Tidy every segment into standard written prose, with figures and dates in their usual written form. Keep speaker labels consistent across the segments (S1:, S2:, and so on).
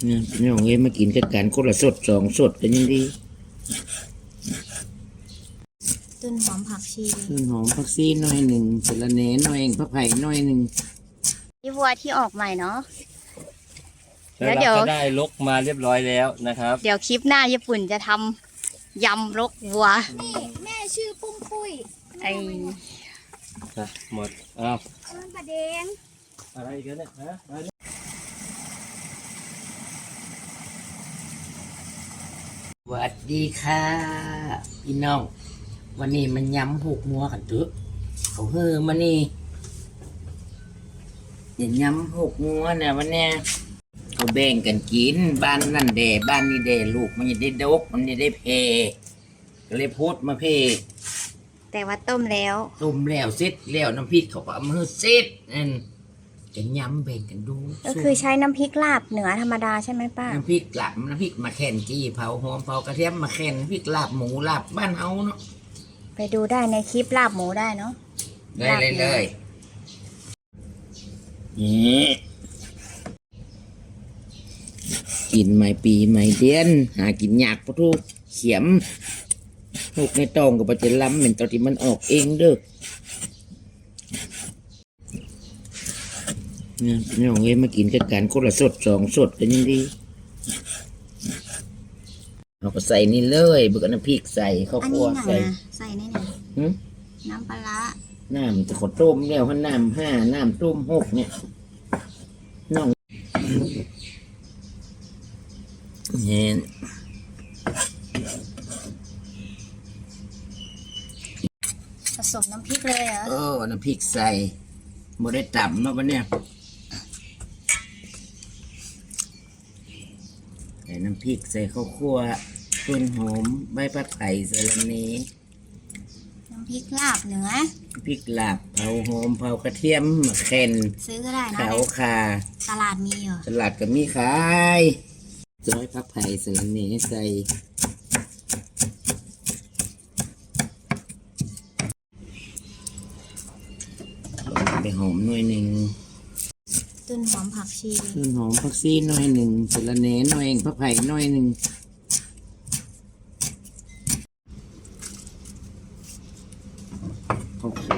S1: เนี่ยพี่น้องเอ้ยมากินกันกันคนละสดสองสดกันยังดี
S2: ต้นหอมผักชี
S1: ต้นหอมผักชีหน่อยหนึ่งสะระแหน่หน่อยเองผักไผ่หน่อยหนึ่ง
S2: ที่วัวที่ออกใหม่เนาะ
S3: แล้วเราก็ได้ลกมาเรียบร้อยแล้วนะครับ
S2: เดี๋ยวคลิปหน้าญี่ปุ่นจะทำยำลกวัว
S4: นี่แม่ชื่อปุ้มปุ้ย
S2: ไอ้
S3: หมดอ้าว
S4: ประเดง
S3: อะไรกันเนี่ยฮะ
S1: สวัสดีค่ะพี่น้องวันนี้มันยำหกมัวกันเถอะเขาเฮือมานี่อย่ายำหกมัวเนี่ยวันเนี้ยเขาแบ่งกันกินบ้านนั่นเดบ้านนี้เดลูกมันจะได้ดกมันจะได้เพก็เลยพูดมาเพ
S2: แต่ว่าต้มแล้ว
S1: เสร็จแล้วน้ำพริกเขาก็เอามือเสร็จนั่นจะยำแบ่งกันดู
S2: ก็คือใช้น้ำพริกลาบเหนือธรรมดาใช่ไหมป้า
S1: น้ำพริกหลับน้ำพริกมาแค่นจี้เผาหอมเผากระเทียมมาแค่นน้ำพริกลาบหมูลาบบ้านเฮาเนาะ
S2: ไปดูได้ในคลิปลาบหมูได้เนาะ
S1: ได้เลยนี่กินไม่ปีไม่เดือนหากินยากปะทุกเขียมลูกในตองกับปะเจล้ำเหม็นตอนที่มันออกเองเด้อเนี่ยพี่น้องเอ้ยมากินกันกันคนละสดสองสดกันยังดีเราก็ใส่นี่เลยเบิกน้ำพริกใส่ข้าวคั่ว
S2: ใส่ในไหนน้ำปลา
S1: น้ำจะขอต้มแล้วน้ำห้าน้ำต้มหกเนี่ยน้องเห็น
S2: ผสมน้ำพริกเลยเหรอ
S1: น้ำพริกใส่โมได้ต่ำเนาะวันเนี้ยใส่น้ำพริกใส่ข้าวคั่วต้นหอมใบผักไผ่สะระแหน่
S2: น้ำพริกลาบเหนือ
S1: พริกลาบเผาหอมเผากระเทียมมะเขือ
S2: ซื้อก็ได้นะ
S1: ขาวคา
S2: ตลาดมีเหรอ
S1: ตลาดก็มีขายซอยผักไผ่สะระแหน่ใส่ไปหอมหน่อยหนึ่ง
S2: ต้นหอมผักชี
S1: หน่อยหนึ่งสะระแหน่หน่อยเองผักไผ่หน่อยหนึ่งข้าวคั่ว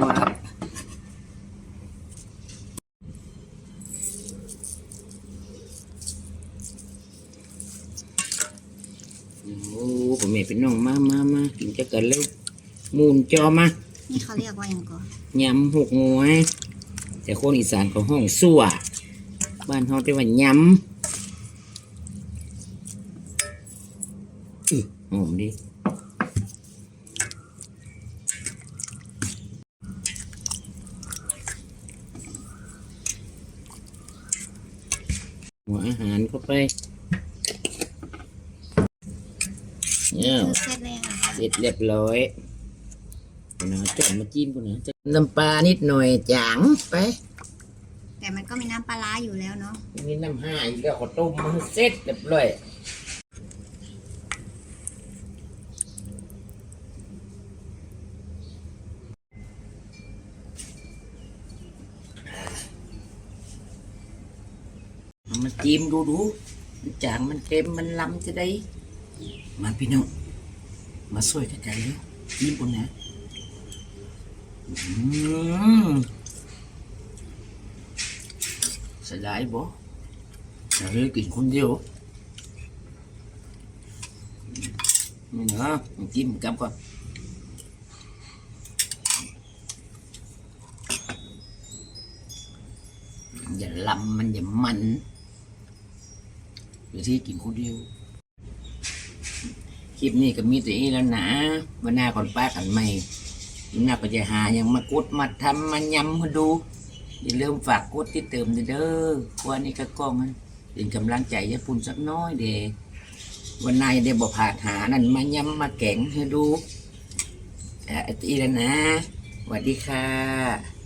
S1: โอ้ผมไม่เป็นน้องมากินจะเกิดแล้วมูนจอมา
S2: นี่เขาเรียกว่าอย่างก่อน
S1: ยำหกงวยแต่คนอีสานเขาห้องสั่วบ้านเขาเรียกว่ายำหอมดิหัวอาหารเข้าไปเนี่ยเสร็จเรียบร้อยนะจะมาจิ้มกูนะน้ำปลานิดหน่อยจางไป
S2: แต่มันก็มีน้ำปลาอยู่แล้วเนาะ
S1: มีน้ำห้าอีกแล้วก็ต้มมันเสร็จเรียบร้อยมาจิ้มดูมันจางมันเค็มมันล้ำจะได้มาพี่น้องมาช่วยกันกันเลยจิ้มกูนะเสียดายบ่อยากให้กินคนเดียวนี่นะจิ้มกับก่อนอย่าลำมันอย่ามันเดี๋ยวที่กินคนเดียวคลิปนี้ก็มีแต่นี้แล้วนะวันหน้าก่อนป้ากันใหม่วันหน้าก็จะหาอย่างมากดมาทำมายำมาดูอย่าลืมฝากกดติดเติมเด้อวันนี้ก็กล้องมันเป็นกำลังใจญี่ปุ่นสักน้อยเด้วันนายได้บอกผาดหานั่นมายำมาแกงให้ดูอีแล้วนะสวัสดีค่ะ